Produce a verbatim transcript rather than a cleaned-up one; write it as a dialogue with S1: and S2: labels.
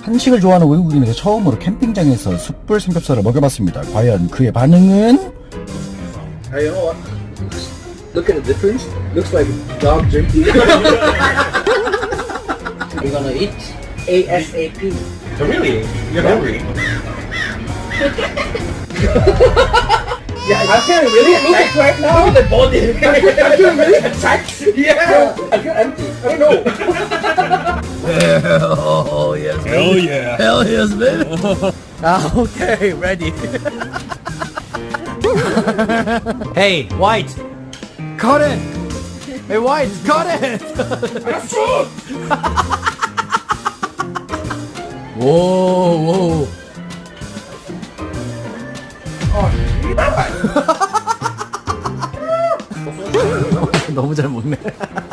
S1: 한식을 좋아하는 외국인에게 처음으로 캠핑장에서 숯불 삼겹살을 먹여봤습니다. 과연 그의 반응은?
S2: Hey, you know what? Look at the difference. Looks like dog jerky. We're gonna eat ASAP.
S3: Oh, really? You're hungry?
S2: Yeah, I feel really attacked right now. Look at the body. I feel really attacked. Yeah. I feel empty. I don't know.
S1: Hell yes,
S3: Hell yeah.
S1: Hell yes, baby. Ah, okay, ready.
S4: Hey, White! Cut it! Hey, White, cut it! whoa, whoa. 너무 잘 먹네.